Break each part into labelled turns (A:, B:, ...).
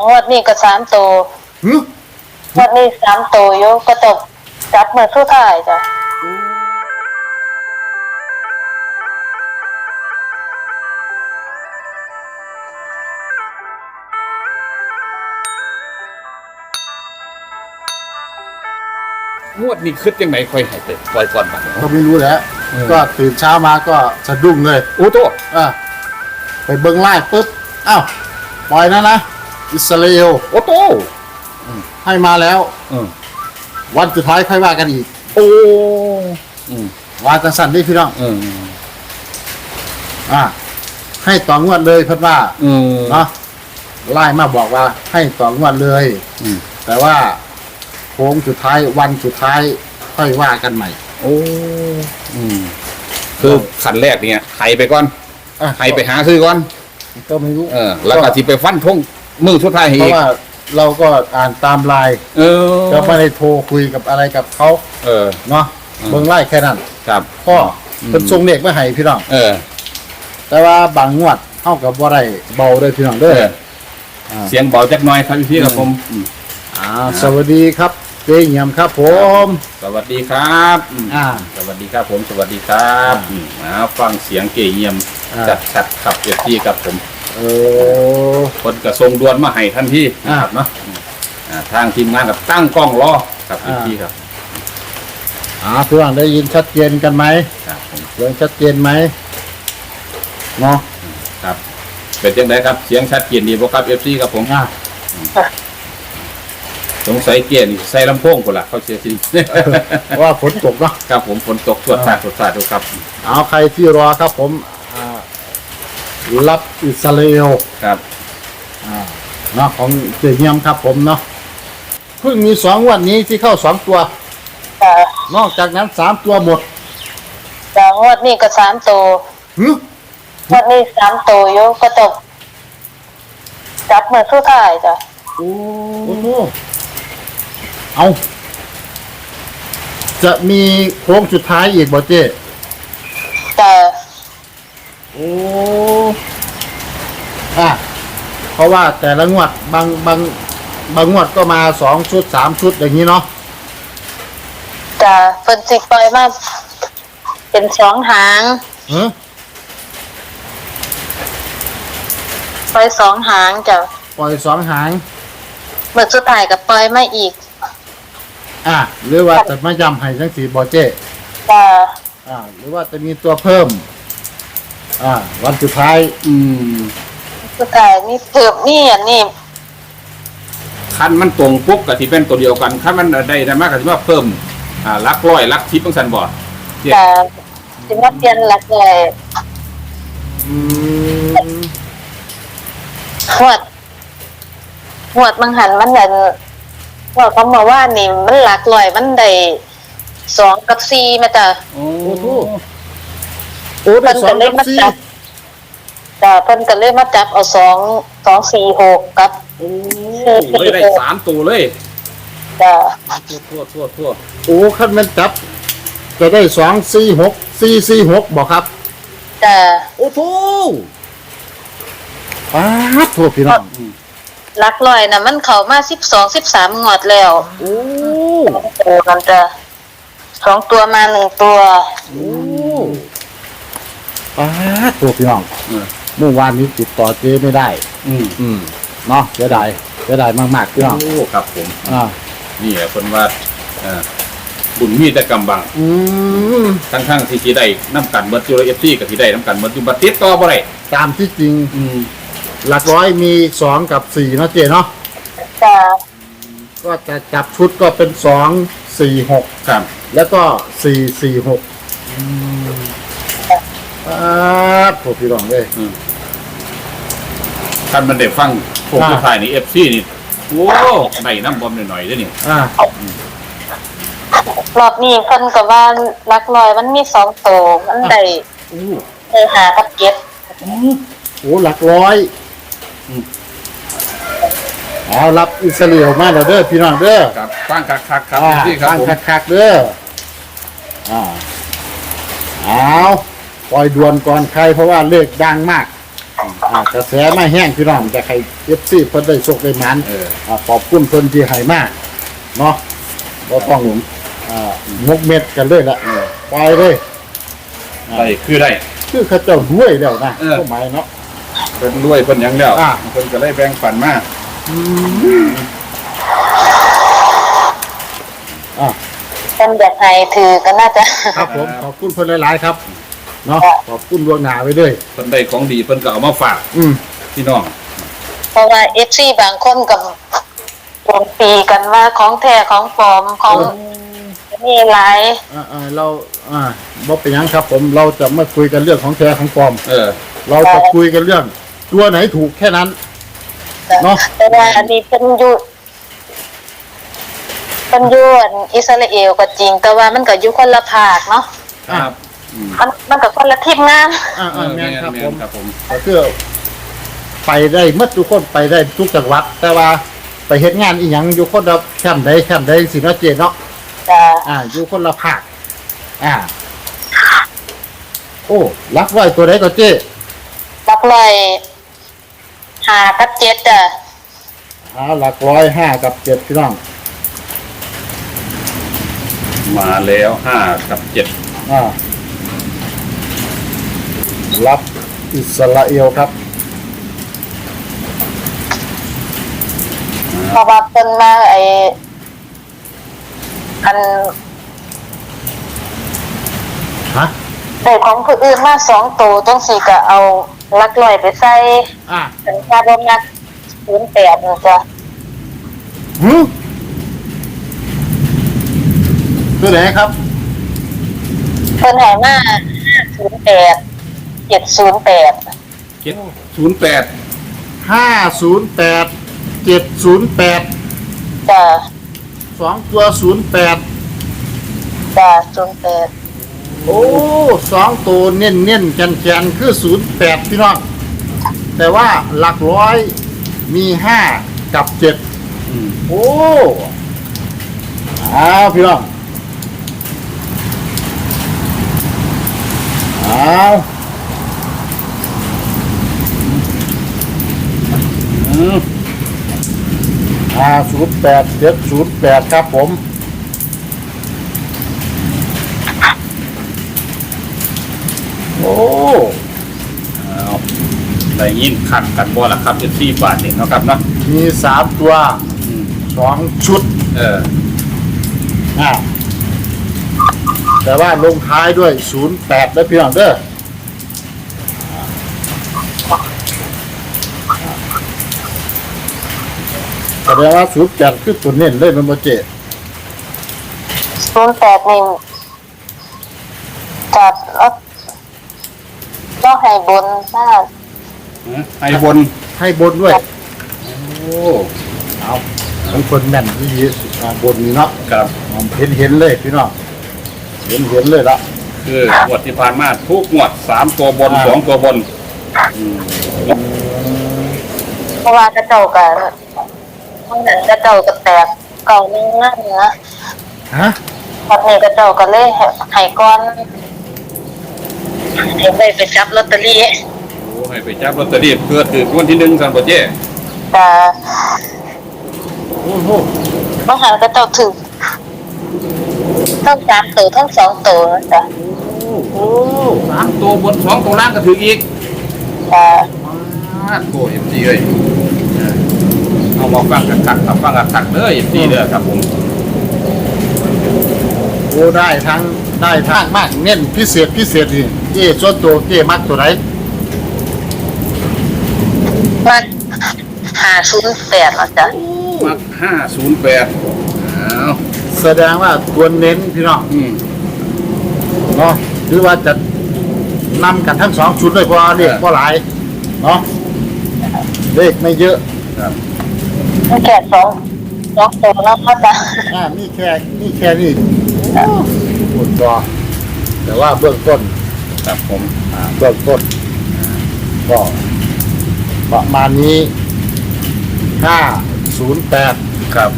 A: งวดนี้ก็3 ตัวงวดนี้3 ตัวอยู่ก็ตกจับมือสุดท้ายจ้ะ
B: งวดนี้คิดยังไงค่อยให้ไปปล่อยก่อนบัด
C: ก็ไม่รู้แหละก็ตื่นเช้ามาก็สะดุ้งเลย
B: โอ้โต
C: ไปเบิ้งไล่ปุ๊บอ้าวปล่อยนะอิสราเอล
B: โอ้โต
C: ให้มาแล้ววันสุดท้ายค่อยว่ากันอีก
B: โอ้
C: ว่าจังสั่นนี่พี่น้องให้ต่องวดเลยเพิ่นว่าเนาะไล่มาบอกว่าให้ต่องวดเลยแต่ว่าโค้งสุดท้ายวันสุดท้ายค่อยว่ากันใหม่
B: โอ้คือขั้นแรกเนี่ยไถไปก่อนไถไปหาซื้อก่อน
C: ก็ไม่รู้
B: แล้วก็สิไปฟันทงมือสุดท้ายให้อีก
C: เพราะว่าเราก็อ่านตามไลน์ก็ไม่ได้โทรคุยกับอะไรกับเขาเนาะเบิ่งไล่แค่นั้น
B: ครับ
C: ก็เป็นทรงเลขไม่ให้พี่น้องแต่ว่าบางงวดเท่ากับว่าได้เบาเลยพี่น้องเด้อ
B: เสียงเบาจักหน่อยครับพี่ครับผม
C: สวัสดีครับเจ๊เงียมครับผม
B: สวัสดีครับสวัสดีครับผมสวัสดีครับฟังเสียงเก๋เงียมจัดชัดขับเอฟซีครับผมคนกระทรงด่วนมาให้ทันทีครับเนาะทางทีมงานกับตั้งกล้องรอครับเอฟซีครับ
C: พี่น้องได้ยินชัดเจนกันไหมเสียงชัดเจนไหมเนาะ
B: ครับเป็นยังไงครับเสียงชัดเจนดีบ่ครับเอฟซีครับผมสงสัยเกียร์ใส่ลำโพงคนละเขาเสียจริง
C: ว่าฝนตกเนาะ
B: ครับผมฝนตกสวดสาดดูครับ
C: เอาใครที่รอครับผมรับอิสราเอล
B: ครับ
C: เนาะของเจียมครับผมเนาะเพิ่งมี2 วันนี้ที่เข้า2 ตัวนอกจากนั้น3 ตัวหมด
A: งวดนี้ก็3 ตัวงวดนี้3 ตัวอยู่ก็ตกจับมือสุดท้ายจ้ะ
C: โอ้โหเอาจะมีโค้งสุดท้ายอีกบ่เจ๊โอ้เพราะว่าแต่ละงวดบางงวดก็มา2 ชุด3 ชุดอย่างนี้เนาะ
A: เพิ่นสิปล่อยมาเป็น2 หางปล่อย2 หางจ้ะ
C: ปล่อย2 หาง
A: เมื่อสุดท้ายก็ปล่อยมาอีก
C: หรือว่าจะมาย้ำให้จังสีบ่เจ๊หรือว่าจะมีตัวเพิ่มวันสุดท้าย
A: สุดท้ายมีเพิ่มนี่อันนี้
B: คันมันตรงปุ๊บกับที่เป็นตัวเดียวกันคันมันได้มากกับที่ว่าเพิ่มลักร้อยลักทิพย์ต้องสันบอด
A: สิมาเปลี่ยนหลักเลยหวดบางหันมันนั่นว่าเขามาว่านี่มันหลักร้อยมันได้2 กับ 4มาจ้ะ
C: โอ้โห
A: เพิ่นก็เลยมาจับเพิ่นก็เลยมาจับเอา2 4 6กับ
B: เลยได้3 ตัวเลย
C: ทั่วโอ้คันมันจับจะได้2 4 6 4 4 6บอกครับ
A: โอ้
C: โหทั่วพี่น้อง
A: หลักร้อยน่ะมันเข้ามา12 13 งวดแล้ว
C: โอ้
A: มันจะ2 ตัวมา1 ตัว
C: โอ้ทั่วพี่น้องเมื่อวานนี้ติดต่อเจ๊ไม่ได้เนาะเสียดายมากๆพี่น้อง
B: โอ้ครับผมนี่แหละคนว่าบุญมีแต่กำบังทั้งที่สีได้น้ำกันเบิร์ดจูเอฟซีกับสีได้น้ำกันเบิร์ดจูบัตติดต่อบ่ได้
C: ตามที่จริงหลักร้อยมี2 กับ 4เนาะเจ๊เนาะก็จะจับชุดก็เป็น2 4 6
B: ครับ
C: แล้วก็4 4 6พวกพี่น้องเลย
B: ท่านมันได้ฟังพวกผู้ชายนี่เอฟซีนี่โอ้ใบน้ำบอมหน่อยๆด้วยนี่
A: รอบนี้เพิ่นก็ว่าหลักร้อยมันมี2 ตัวมันได้หากับ7
C: โอ้หลักร้อยเอารับอิสราเอลมาแล้วเด้อพี่น้องเด้อ
B: ครับตั้งคักครับ
C: พี่ครับตั้งคักเด้อเอาปล่อยด่วนก่อนใครเพราะว่าเลขดังมากกระแสมาแห้งพี่น้องจะใครเอฟซีเพิ่นได้โชคได้หมันขอบคุณเพิ่นที่ให้มากเนาะบ่ต้องงกเม็ดกันเลยละปล่อยเลย
B: ได้คือได้
C: คือเขาเจ้ารวยแล้วนะเข้าหมายเนาะ
B: เพิ่นรวยเพิ่นหยังแล้วเพิ่นก็เลยแบ่งปันมา
A: เป็นแบบไทยถือก็น่าจะ
C: ครับผมขอบคุณเพิ่นหลายๆครับเนาะขอบคุณล่วงหน้าไว้ด้วย
B: เพิ่นได้ของดีเพิ่นก็เอามาฝากพี่น้อง
A: เพราะว่าFC บางคนกับโจมตีกันว่าของแท้ของปลอมของนี่หลาย
C: เราบ่เป็นหยังครับผมเราจะไม่คุยกันเรื่องของแท้ของปลอม เราจะคุยกันเรื่องตัวไหนถูกแค่นั้น เนาะ
A: แต่ว่าอันนี้เป็นอยู่อิสราเอลก็จริง แต่ว่ามันก็อยู่คนละภาคเนาะ
B: ครับ
A: มันก็คนละทีมงาน
C: แม่นครับผมก็คือไปได้เมื่อทุกคนไปได้ทุกจังหวัด แต่ว่าไปเฮ็ดงานอีหยังอยู่คนละแคมป์ใดสิเนาะเจเนาะ
A: จ้ะ
C: อยู่คนละภาคโอ้รักไว้ตัวไหนก็เจ๊
A: รักเลย5 กับ 7จ้ะ
C: หลักร้อย5 กับ 7พี่น้อง
B: มาแล้ว5 กับ 7
C: รับอิสราเอลครับ
A: เพราะว่าเพิ่นมาอัน ได้ของผู้อื่นมา2ตัวจังซี่ก็เอาลักลอยไปใส่สัญญาบ่มัก08นี่จ้ะ
C: ตัวไหนครับ
A: เพิ่นให้มา508 708
B: 708
C: 508 708
A: จ้ะ
C: 2 ตัว08
A: จ้ะ08
C: โอ้2 ตัวเน้นๆแกนๆคือ08พี่น้องแต่ว่าหลักร้อยมี5 กับ 7โอ้พี่น้อง08 708ครับผมโอ้
B: ได้ยินขัดกันบ่ล่ะครับ14 บาทนี่เนาะครับเนาะ
C: มี3 ตัว2 ชุดแต่ว่าลงท้ายด้วย08แล้วพี่น้องเด้อแสดงว่า08คือตัวเน้นเลยมันบ่เจ๊
A: 08นี่จัดแล้วให้บนมาก
B: ให้บน
C: ให้บนด้วย
B: โอ้
C: เอาบางคนแม่นที่บนนี่เนาะ
B: ครับ
C: เห็นเลยพี่น้องเห็นเลยละ
B: คืองวดที่ผ่านมาทุกงวด3 ตัวบน 2 ตัวบน
A: เพราะว่ากระเจ้าก็มันนั้นกระเจ้าก็แตกเก่านึงนะเนื้อ วันนี้กระเจ้าก็เลยให้ก่อนให้ไปจับลอตเตอรี่
B: โอ้ให้ไปจับลอตเตอรี่เพื่อถือวันที่1ซั่นบ่เจ้
A: แต่
C: โอ้โห
A: บางครั้งกระเจ้าถือทั้ง3ตัวทั้ง2ตัวจ้ะ
B: โอ้3 ตัวบน 2 ตัวล่างก็ถืออีก
A: แต่
B: โอ้FC เอ้ยเอามาฟังกันคักครับฟังกันคักเด้อ FC เด้อครับผม
C: โอ้ได้ทั้งมากเน้นพิเศษนี่เจ้ส่วนตัวเจ้มักตัวไหน
A: มัน508แล้วจ้ะ
B: มัก508อ้าว
C: แสดงว่าตัวเน้นพี่น้องเนาะหรือว่าจะนำกันทั้ง2 ชุดเลยเพราะเลขบ่หลายเนาะเลขไม่เยอะ
B: ครับ
A: มันแค่2ตัวแล้วก็จ้ะ
C: มีแค่นี้หมดตัวแต่ว่าเบื้องต้น
B: ครับผม
C: ก็ประมาณนี้508
B: ครับ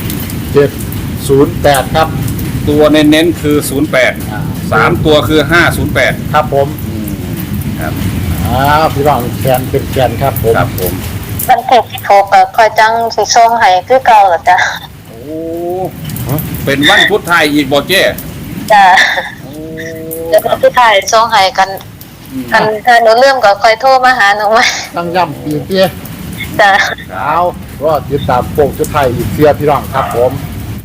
C: 708ครับ
B: ตัวเน้นๆคือ08 3 ตัวคือ508
C: ครับผม
B: ครับ
C: พี่น้องแขนเป็นแขนครับผม
B: ครับผม
A: วันที่16ก็คอยจังสิส่งให้คือเก่าล่ะจ้ะ
B: โอ้เป็นวันพุธไทยอีกบ่เจ้
A: จ้ะเดี๋ยววันที่ถ่ายส่งให้กันถ้าหนูลืมก็คอยโทรมาหาหนูใหม่
C: ตั้งย่ำปีเตี้ย
A: จ้ะ
C: เอาก็ติดตามโป่งชุดไทยอีกเสียพี่น้องครับผม